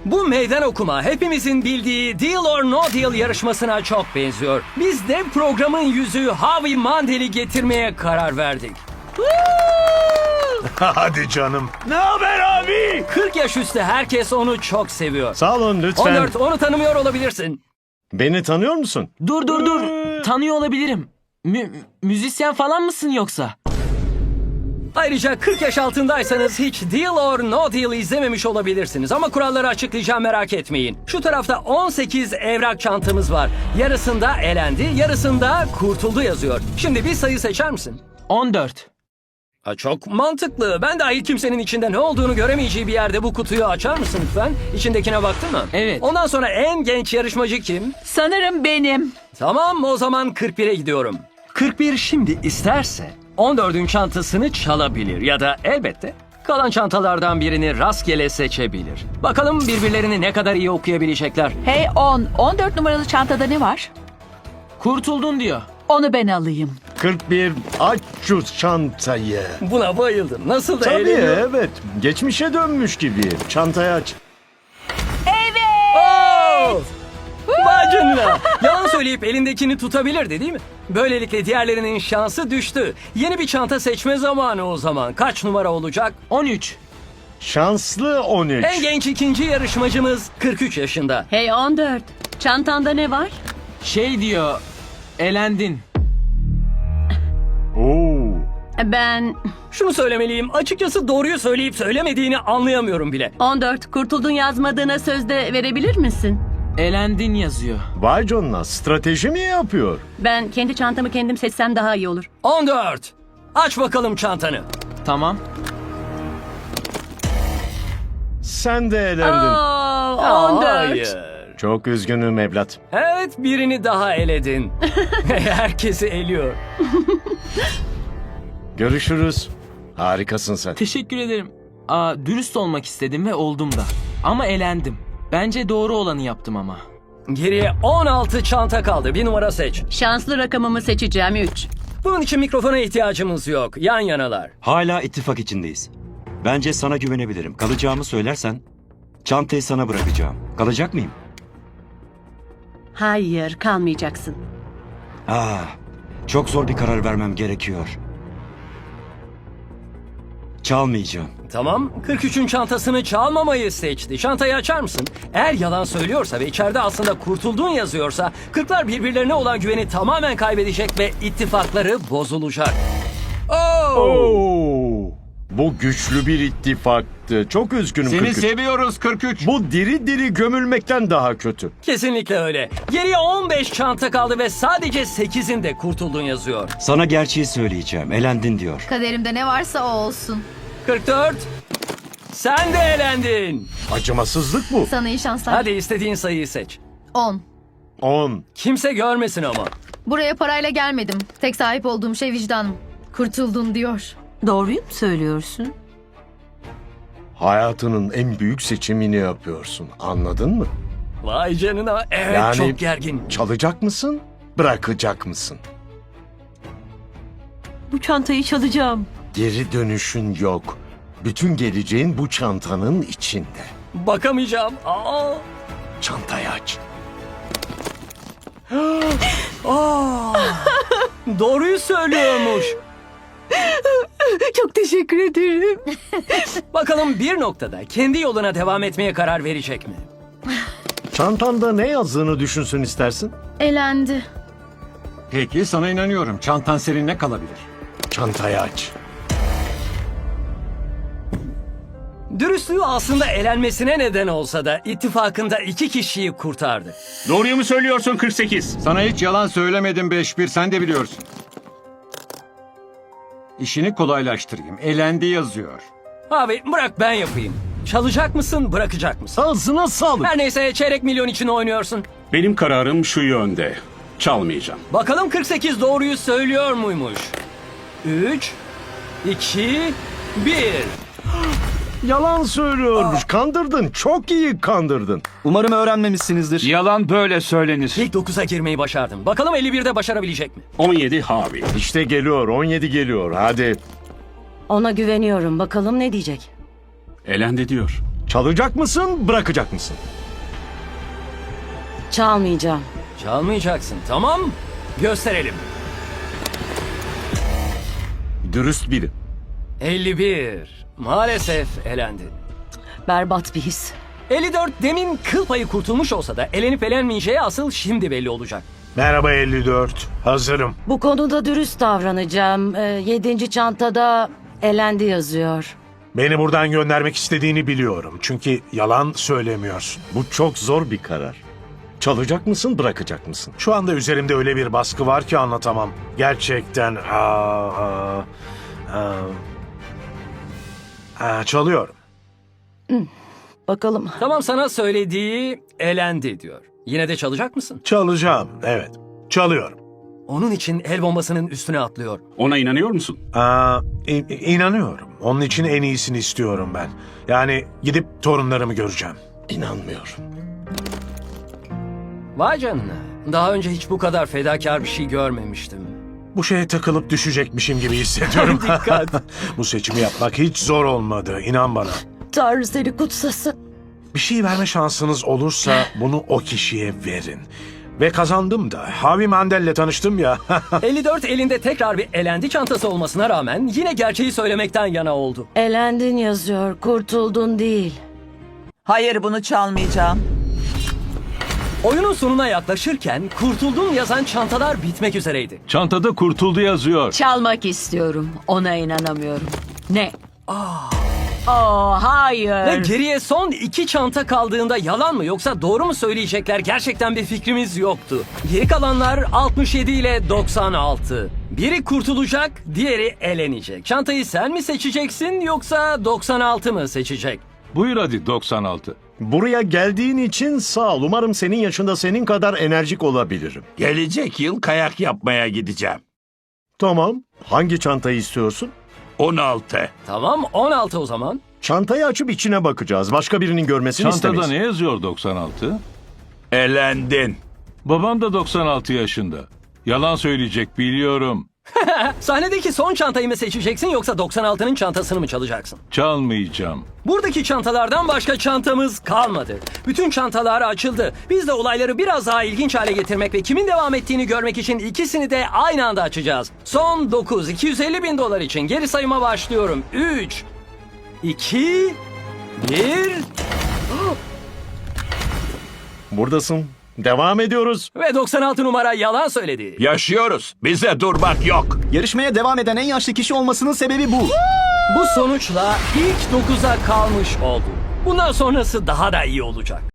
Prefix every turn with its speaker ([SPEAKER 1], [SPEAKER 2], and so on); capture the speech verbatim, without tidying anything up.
[SPEAKER 1] Bu meydan okuma hepimizin bildiği Deal or No Deal yarışmasına çok benziyor. Biz de programın yüzü Howie Mandel'i getirmeye karar verdik.
[SPEAKER 2] Hadi canım.
[SPEAKER 3] Ne haber abi?
[SPEAKER 1] kırk yaş üstü herkes onu çok seviyor.
[SPEAKER 2] Sağ olun lütfen.
[SPEAKER 1] on dört onu tanımıyor olabilirsin.
[SPEAKER 2] Beni tanıyor musun?
[SPEAKER 4] Dur dur dur. Tanıyor olabilirim. Mü- müzisyen falan mısın yoksa?
[SPEAKER 1] Ayrıca kırk yaş altındaysanız hiç Deal or No Deal izlememiş olabilirsiniz. Ama kuralları açıklayacağım, merak etmeyin. Şu tarafta on sekiz evrak çantamız var. Yarısında elendi, yarısında kurtuldu yazıyor. Şimdi bir sayı seçer misin?
[SPEAKER 4] on dört.
[SPEAKER 1] Ha, çok mantıklı. Ben dahil kimsenin içinde ne olduğunu göremeyeceği bir yerde bu kutuyu açar mısın lütfen? İçindekine baktın mı?
[SPEAKER 4] Evet.
[SPEAKER 1] Ondan sonra en genç yarışmacı kim?
[SPEAKER 5] Sanırım benim.
[SPEAKER 1] Tamam, o zaman kırk bire gidiyorum. kırk bir şimdi isterse on dördün çantasını çalabilir ya da elbette kalan çantalardan birini rastgele seçebilir. Bakalım birbirlerini ne kadar iyi okuyabilecekler.
[SPEAKER 5] Hey on, on dört numaralı çantada ne var?
[SPEAKER 4] Kurtuldun diyor.
[SPEAKER 5] Onu ben alayım.
[SPEAKER 2] kırk bir aç şu çantayı.
[SPEAKER 1] Buna bayıldım. Nasıl da
[SPEAKER 2] Tabii
[SPEAKER 1] eğleniyor.
[SPEAKER 2] evet. Geçmişe dönmüş gibi. Çantayı aç.
[SPEAKER 1] Oo! Vay canına. Yalan söyleyip elindekini tutabilirdi değil mi? Böylelikle diğerlerinin şansı düştü. Yeni bir çanta seçme zamanı o zaman. Kaç numara olacak?
[SPEAKER 4] on üç.
[SPEAKER 2] Şanslı on üç.
[SPEAKER 1] En genç ikinci yarışmacımız kırk üç yaşında.
[SPEAKER 6] Hey on dört. Çantanda ne var?
[SPEAKER 4] Şey diyor. Elendin.
[SPEAKER 2] Oo.
[SPEAKER 6] Ben
[SPEAKER 1] Şunu söylemeliyim. Açıkçası doğruyu söyleyip söylemediğini anlayamıyorum bile.
[SPEAKER 6] on dört. Kurtuldun yazmadığına sözde verebilir misin?
[SPEAKER 4] Elendin yazıyor.
[SPEAKER 2] Vay canına, strateji mi yapıyor?
[SPEAKER 6] Ben kendi çantamı kendim seçsem daha iyi olur.
[SPEAKER 1] on dört. Aç bakalım çantanı.
[SPEAKER 4] Tamam.
[SPEAKER 2] Sen de elendin.
[SPEAKER 6] Oo, on dört.
[SPEAKER 1] Hayır.
[SPEAKER 2] Çok üzgünüm evlat.
[SPEAKER 1] Evet, birini daha eledin. Herkesi eliyor.
[SPEAKER 2] Görüşürüz. Harikasın sen.
[SPEAKER 4] Teşekkür ederim. Aa, dürüst olmak istedim ve oldum da. Ama elendim. Bence doğru olanı yaptım ama.
[SPEAKER 1] Geriye on altı çanta kaldı. Bir numara seç.
[SPEAKER 6] Şanslı rakamımı seçeceğim üç.
[SPEAKER 1] Bunun için mikrofona ihtiyacımız yok. Yan yanalar.
[SPEAKER 3] Hala ittifak içindeyiz. Bence sana güvenebilirim. Kalacağımı söylersen çantayı sana bırakacağım. Kalacak mıyım?
[SPEAKER 6] Hayır, kalmayacaksın.
[SPEAKER 3] Ah, çok zor bir karar vermem gerekiyor. Çalmayacağım.
[SPEAKER 1] Tamam. kırk üçün çantasını çalmamayı seçti. Çantayı açar mısın? Eğer yalan söylüyorsa ve içeride aslında kurtuldun yazıyorsa kırklar birbirlerine olan güveni tamamen kaybedecek ve ittifakları bozulacak. Oo!
[SPEAKER 2] Oo. Bu güçlü bir ittifaktı. Çok üzgünüm
[SPEAKER 7] Seni
[SPEAKER 2] kırk üç.
[SPEAKER 7] seviyoruz kırk üç.
[SPEAKER 2] Bu diri diri gömülmekten daha kötü.
[SPEAKER 1] Kesinlikle öyle. Geriye on beş çanta kaldı ve sadece sekizinde kurtuldun yazıyor.
[SPEAKER 3] Sana gerçeği söyleyeceğim. Elendin diyor.
[SPEAKER 8] Kaderimde ne varsa o olsun.
[SPEAKER 1] kırk dört. Sen de elendin.
[SPEAKER 2] Acımasızlık bu.
[SPEAKER 8] Sana iyi şanslar.
[SPEAKER 1] Hadi istediğin sayıyı seç.
[SPEAKER 8] on.
[SPEAKER 2] on.
[SPEAKER 1] Kimse görmesin ama.
[SPEAKER 8] Buraya parayla gelmedim. Tek sahip olduğum şey vicdanım. Kurtuldun diyor.
[SPEAKER 6] Doğruyu mu söylüyorsun?
[SPEAKER 2] Hayatının en büyük seçimini yapıyorsun. Anladın mı?
[SPEAKER 1] Vay canına. Evet,
[SPEAKER 2] Yani-
[SPEAKER 1] çok gergin.
[SPEAKER 2] Çalacak mısın? Bırakacak mısın?
[SPEAKER 6] Bu çantayı çalacağım.
[SPEAKER 2] Geri dönüşün yok. Bütün geleceğin bu çantanın içinde.
[SPEAKER 1] Bakamayacağım. Aa.
[SPEAKER 2] Çantayı aç.
[SPEAKER 1] Doğruyu söylüyormuş.
[SPEAKER 6] Çok teşekkür ederim.
[SPEAKER 1] Bakalım bir noktada kendi yoluna devam etmeye karar verecek mi?
[SPEAKER 2] Çantanda ne yazdığını düşünsün istersin?
[SPEAKER 8] Elendi.
[SPEAKER 7] Peki sana inanıyorum. Çantan seninle kalabilir.
[SPEAKER 2] Çantayı aç.
[SPEAKER 1] Dürüstlüğü aslında elenmesine neden olsa da ittifakında iki kişiyi kurtardı.
[SPEAKER 9] Doğruyu mu söylüyorsun kırk sekiz?
[SPEAKER 7] Sana hiç yalan söylemedim beş bir, sen de biliyorsun. İşini kolaylaştırayım. Elendi yazıyor.
[SPEAKER 1] Abi bırak ben yapayım. Çalacak mısın, bırakacak mısın?
[SPEAKER 2] Ağzına sağlık.
[SPEAKER 1] Her neyse çeyrek milyon için oynuyorsun.
[SPEAKER 9] Benim kararım şu yönde. Çalmayacağım.
[SPEAKER 1] Bakalım kırk sekiz doğruyu söylüyor muymuş? üç, iki, bir.
[SPEAKER 2] Yalan söylüyormuş. Kandırdın. Çok iyi kandırdın.
[SPEAKER 10] Umarım öğrenmemişsinizdir.
[SPEAKER 9] Yalan böyle söylenir.
[SPEAKER 1] İlk dokuza girmeyi başardın. Bakalım elli birde başarabilecek mi?
[SPEAKER 9] on yedi Harvey.
[SPEAKER 2] İşte geliyor. on yedi geliyor. Hadi.
[SPEAKER 6] Ona güveniyorum. Bakalım ne diyecek?
[SPEAKER 9] Elendi diyor.
[SPEAKER 2] Çalacak mısın, bırakacak mısın?
[SPEAKER 10] Çalmayacağım.
[SPEAKER 1] Çalmayacaksın, tamam? Gösterelim.
[SPEAKER 2] Dürüst biri.
[SPEAKER 1] elli bir. Maalesef elendi.
[SPEAKER 10] Berbat bir his.
[SPEAKER 1] elli dört demin kıl payı kurtulmuş olsa da elenip elenmeyeceği asıl şimdi belli olacak.
[SPEAKER 11] Merhaba elli dört. Hazırım.
[SPEAKER 10] Bu konuda dürüst davranacağım. Ee, yedinci çantada elendi yazıyor.
[SPEAKER 11] Beni buradan göndermek istediğini biliyorum. Çünkü yalan söylemiyorsun.
[SPEAKER 2] Bu çok zor bir karar. Çalacak mısın, bırakacak mısın?
[SPEAKER 11] Şu anda üzerimde öyle bir baskı var ki anlatamam. Gerçekten... Aa, aa, aa. Aa, çalıyorum.
[SPEAKER 10] Bakalım.
[SPEAKER 1] Tamam, sana söylediği elendi diyor. Yine de çalacak mısın?
[SPEAKER 11] Çalacağım, evet. Çalıyorum.
[SPEAKER 1] Onun için el bombasının üstüne atlıyor.
[SPEAKER 9] Ona inanıyor musun?
[SPEAKER 11] Aa, in- inanıyorum. Onun için en iyisini istiyorum ben. Yani gidip torunlarımı göreceğim.
[SPEAKER 2] İnanmıyorum.
[SPEAKER 1] Vay canına. Daha önce hiç bu kadar fedakar bir şey görmemiştim.
[SPEAKER 11] Bu şeye takılıp düşecekmişim gibi hissediyorum.
[SPEAKER 1] Dikkat.
[SPEAKER 11] Bu seçimi yapmak hiç zor olmadı, inan bana.
[SPEAKER 10] Tanrı seni kutsasın.
[SPEAKER 11] Bir şey verme şansınız olursa bunu o kişiye verin. Ve kazandım da. Harvey Mandel'le tanıştım ya.
[SPEAKER 1] elli dört elinde tekrar bir elendi çantası olmasına rağmen yine gerçeği söylemekten yana oldu.
[SPEAKER 10] Elendin yazıyor, kurtuldun değil.
[SPEAKER 12] Hayır, bunu çalmayacağım.
[SPEAKER 1] Oyunun sonuna yaklaşırken kurtuldum yazan çantalar bitmek üzereydi.
[SPEAKER 9] Çantada kurtuldu yazıyor.
[SPEAKER 5] Çalmak istiyorum. Ona inanamıyorum. Ne? Aa, hayır.
[SPEAKER 1] Ve geriye son iki çanta kaldığında yalan mı yoksa doğru mu söyleyecekler gerçekten bir fikrimiz yoktu. Geri kalanlar altmış yedi ile doksan altı. Biri kurtulacak, diğeri elenecek. Çantayı sen mi seçeceksin yoksa doksan altı mı seçecek?
[SPEAKER 9] Buyur hadi doksan altı.
[SPEAKER 2] Buraya geldiğin için sağ ol. Umarım senin yaşında senin kadar enerjik olabilirim.
[SPEAKER 13] Gelecek yıl kayak yapmaya gideceğim.
[SPEAKER 2] Tamam. Hangi çantayı istiyorsun?
[SPEAKER 13] on altı.
[SPEAKER 1] Tamam, on altı o zaman.
[SPEAKER 2] Çantayı açıp içine bakacağız. Başka birinin görmesini istemeyiz.
[SPEAKER 9] yazıyor doksan altı?
[SPEAKER 13] Elendin.
[SPEAKER 9] Babam da doksan altı yaşında. Yalan söyleyecek biliyorum.
[SPEAKER 1] Sahnedeki son çantayı mı seçeceksin yoksa doksan altının çantasını mı çalacaksın?
[SPEAKER 9] Çalmayacağım.
[SPEAKER 1] Buradaki çantalardan başka çantamız kalmadı. Bütün çantalar açıldı. Biz de olayları biraz daha ilginç hale getirmek ve kimin devam ettiğini görmek için ikisini de aynı anda açacağız. Son dokuz, iki yüz elli bin dolar için geri sayıma başlıyorum. üç, iki, bir
[SPEAKER 2] Buradasın. Devam ediyoruz.
[SPEAKER 1] ve doksan altı numara yalan söyledi.
[SPEAKER 13] Yaşıyoruz. Bize durmak yok.
[SPEAKER 7] Yarışmaya devam eden en yaşlı kişi olmasının sebebi bu.
[SPEAKER 1] Bu sonuçla ilk dokuza kalmış oldu. Bundan sonrası daha da iyi olacak.